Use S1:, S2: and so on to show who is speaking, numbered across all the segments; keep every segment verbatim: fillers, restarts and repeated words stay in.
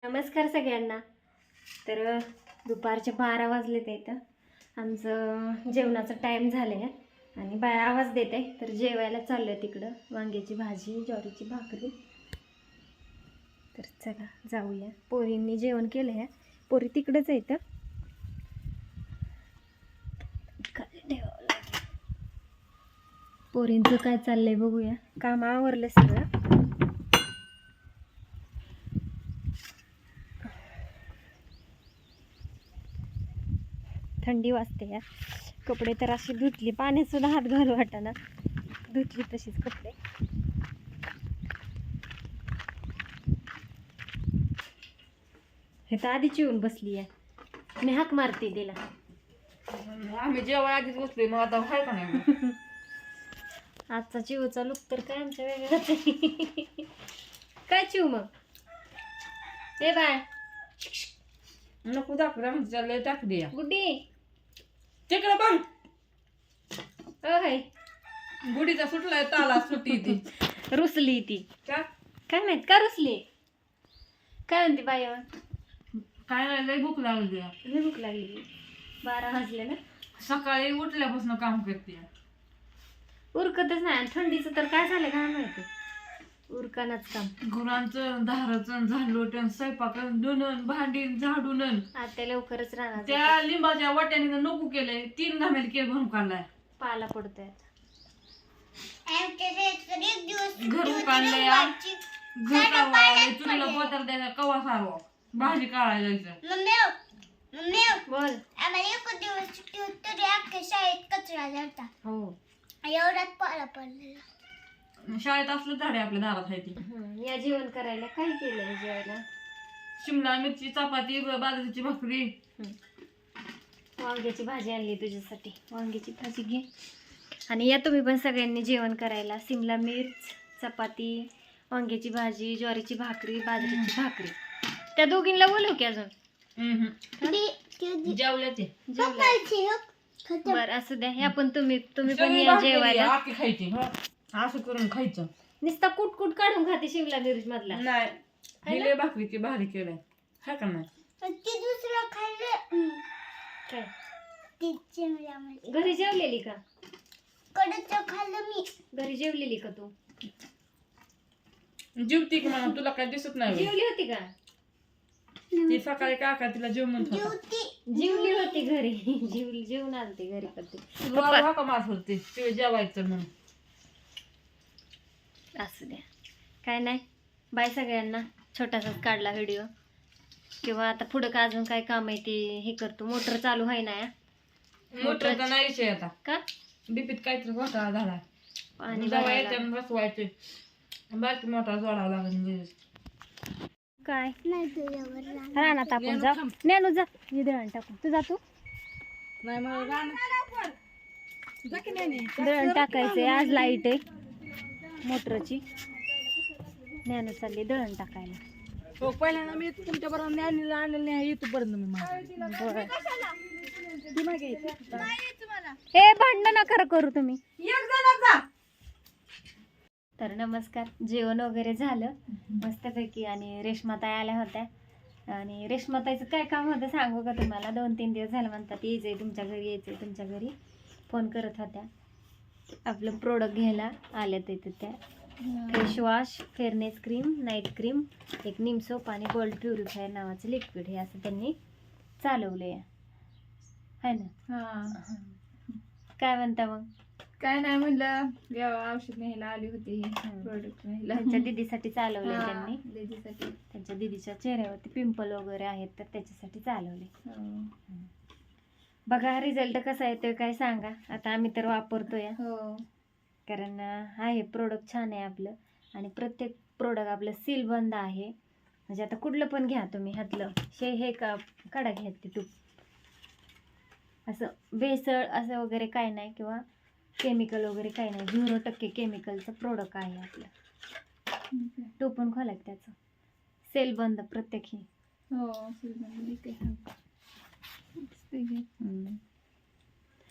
S1: नमस्कार सगळ्यांना. तर दुपारचे बारा वाजलेत इथं. आमचं जेवणाचा टाईम झालं आहे आणि बाय आवाज देते. तर जेवायला चाललं आहे तिकडं. वांग्याची भाजी, ज्वारीची भाकरी. तर चला जाऊया. पोरींनी जेवण केलं आहे. पोरी तिकडंच आहे इथं. पोरींचं काय चाललंय बघूया. काम आवरलं सगळं. थंडी वाजते या. कपडे तर अशी धुतली, पाण्यात सुद्धा हात घालू वाटाना, धुतली तशीच कपडे. हे तर आधीच येऊन बसली आहे. मी हाक मारते तिला.
S2: आम्ही जेव्हा आधीच बसले मग आता हाय का नाही.
S1: आजचा चिवचा लुक तर काय आमच्या वेगळाच आहे. काय चिव मग ए बाय
S2: नको दाखवता म्हणजे चाललंय टाक द्या
S1: गुड्डी
S2: तिकडे बघ.
S1: अय
S2: गुडीचा सुटलाय ताला सुटी ती
S1: रुसली ती.
S2: का
S1: काय माहित का रुसली. काय म्हणते बाई
S2: काय नाही लय भूक लागली.
S1: लय भूक लागली. बारा वाजले ना.
S2: सकाळी उठल्यापासून काम करते.
S1: उरकतच नाही. आणि थंडीचं तर काय झालं काय माहिती. उरकानाच काम.
S2: गुरांचं धाराचं झाडलोटन स्वयंपाकन धुणं भांडी झाडून
S1: आता लवकरच राहणार.
S2: त्या लिंबाच्या वाट्याने नको केलंय. तीन घामेल केळ भरून काढलाय.
S1: पाला पडतोय.
S2: घर काढलंय. घर काढलंय. चुलीला बोतर द्यायचा कवा सारवा भाजी काढायला
S1: बोल. हो
S3: एवढ्यात पाला पडलेला.
S2: शाळेत असलं झाडे आपल्या दारात आहे ती.
S1: या जेवण करायला काय केलंय जेवायला.
S2: शिमला मिरची चपाती बाजरीची भाकरी
S1: वांग्याची भाजी आणली तुझ्यासाठी. वांग्याची भाजी घे. आणि या तुम्ही पण सगळ्यांनी जेवण करायला. शिमला मिर्च, चपाती, वांग्याची भाजी, ज्वारीची भाकरी, बाजरीची भाकरी. त्या दोघींना बोलव की अजून.
S2: जेवल्या ते
S1: बर असू द्या. ह्या पण तुम्ही तुम्ही पण या जेवायला.
S2: आखी खायची असं करून खायचं.
S1: नुसता कुट कुट काढून खाते शिमला मिरच मधला.
S2: नाही हिले भाकरीची भारी केलंय हा का नाही.
S3: ते दुसरं खाल्लं
S1: काय
S3: ती चिमल्यामध्ये
S1: घरी जेवलेली का.
S3: कडचं खाल्लं मी.
S1: घरी जेवलेली का तू.
S2: जेवती की म्हणा तुला काय दिसत नाही.
S1: जेवली होती का.
S2: ती सकाळी काका तिला जेव म्हणत
S1: जेवली होती घरी. जेवली जेवून आलती घरी करते.
S2: का मास होते ते जेवायचं म्हणून.
S1: असू द्या काय नाही. बाय सगळ्यांना. छोटासाच काढला व्हिडिओ. किंवा आता पुढं का अजून काय काम आहे ते हे करतो. मोटर चालू आहे ना.
S2: मोटरचा नाही विषय आता
S1: का
S2: बीपीत काहीतरी घोटाळा झाला.
S1: आणि
S2: जेवायचे बसवायचे बाकी मोटर जोडावं लागेल.
S1: काय
S3: नाही तुझ्यावर
S1: रानात आपण जा. नेनू जा. दळण टाकू. तू जातो दळण टाकायचंय. आज लाईट आहे मोटरची. ज्ञानू चालली दळण टाकायला.
S2: हो पहिल्यांदा मी तुमच्या बरोबर ज्ञानीला आणलेलं नाही इथपर्यंत मी
S1: हे भांडण नका करू तुम्ही. तर नमस्कार. जेवण वगैरे झालं मस्तपैकी. आणि रेश्माताई आल्या होत्या. आणि रेश्माताईचं काय काम होतं सांगू का तुम्हाला. दोन तीन दिवस झालं म्हणतात यायचंय तुमच्या घरी यायचंय तुमच्या घरी. फोन करत होत्या. आपलं प्रोडक्ट घ्यायला आल्या तिथं त्या. Face wash, fairness cream, night cream, एक निम सोप आणि गोल्ड प्युरिफायर नावाचं लिक्विड. हे असं त्यांनी चालवलं आहे है ना.
S2: हा
S1: काय म्हणता मग.
S2: काय नाही म्हणलं औषध न्यायला आली होती. प्रोडक्ट न्यायला
S1: त्यांच्या दीदीसाठी चालवले
S2: हा,
S1: त्यांनी.
S2: दीदीसाठी.
S1: त्यांच्या दीदीच्या चेहऱ्यावरती पिंपल वगैरे आहेत तर त्याच्यासाठी चालवले.
S2: हो.
S1: बघा रिझल्ट कसा येतोय काय सांगा. आता आम्ही तर वापरतोय
S2: हो
S1: कारण आहे प्रोडक्ट छान आहे आपलं. आणि प्रत्येक प्रोडक्ट आपलं सील बंद आहे. म्हणजे आता कुठलं पण घ्या तुम्ही ह्यातलं शे हे का काढा घ्या ते तूप. असं भेसळ असं वगैरे काय नाही किंवा केमिकल वगैरे काही नाही. झिरो टक्के केमिकलचं प्रोडक्ट आहे आपलं. टोपण खोला त्याचं. सेल बंद प्रत्येक ही.
S2: हो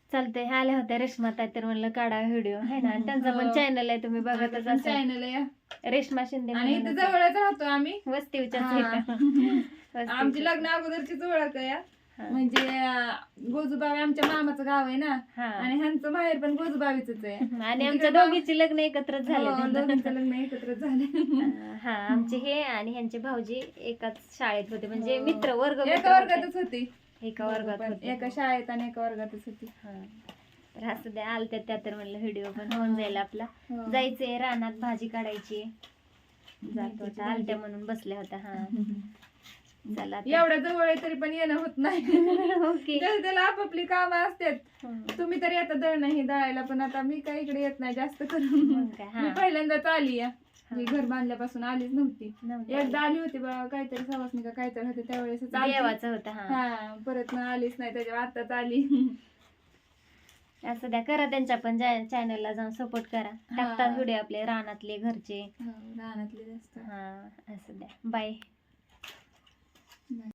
S1: चालतंय. आल्या होत्या रेश्माताई तर म्हणलं काढा व्हिडिओ आहे ना. आणि त्यांचा पण
S2: हो.
S1: चॅनल आहे, तुम्ही बघतच असाल,
S2: चॅनल आहे
S1: रेश्मा शिंदे
S2: आणि इथे
S1: म्हणून.
S2: जवळच राहतो आम्ही.
S1: वस्तीवच्याच
S2: हा.
S1: आहे का? वस्तीवच्याच.
S2: आमची लग्न अगोदरचीच ओळख आहे या.
S1: हा.
S2: म्हणजे अं, गोजूबावी आमच्या मामाचं गाव आहे ना,
S1: हा.
S2: आणि ह्यांचं माहेर पण गोजूबावीच आहे.
S1: आणि आमच्या
S2: तिकडे
S1: दोघीची लग्न एकत्रच झाले.
S2: हो, दोघींचं लग्न एकत्रच झाले.
S1: हा, आमचे हे आणि ह्यांचे भाऊजी एकाच शाळेत होते, म्हणजे
S2: हो.
S1: मित्र वर्ग मित्र
S2: एका
S1: होते.
S2: वर्गातच होती.
S1: एका वर्गात
S2: पण
S1: होते.
S2: एका शाळेत आणि एका वर्गातच होती.
S1: हा. तर असं द्या, आलत्या त्या तर म्हणलं व्हिडिओ पण होऊन जाईल आपला.
S2: हो.
S1: जायचंय रानात, भाजी काढायची. जातो
S2: मेथीची
S1: आता, आलत्या म्हणून बसल्या होत्या. हा, चला आता.
S2: एवढ्या जवळ आहे तरी पण येणं होत नाही.
S1: ओके.
S2: जसं त्याला आपापली कामं असतात. तुम्ही तरी आता दळणं हे दळायला, पण आता मी काही इकडे येत नाही जास्त करून.
S1: मग काय, हा.
S2: मी पहिल्यांदाच आली या. मी घर बांधल्यापासून आलीच नव्हती.
S1: नव्हतं.
S2: एकदा आली होती बा, काहीतरी सवासनी का काहीतरी होते त्यावेळेस आली.
S1: देवाचं होतं. हा,
S2: हा, परत ना आलीच नाही, त्याच्यावर आताच आली.
S1: असं द्या, करा त्यांच्या पण चॅनलला जाऊन सपोर्ट करा. टाकतात व्हिडिओ आपले रानातले घरचे.
S2: हो, रानातले जास्त.
S1: हा, असं द्या. बाय.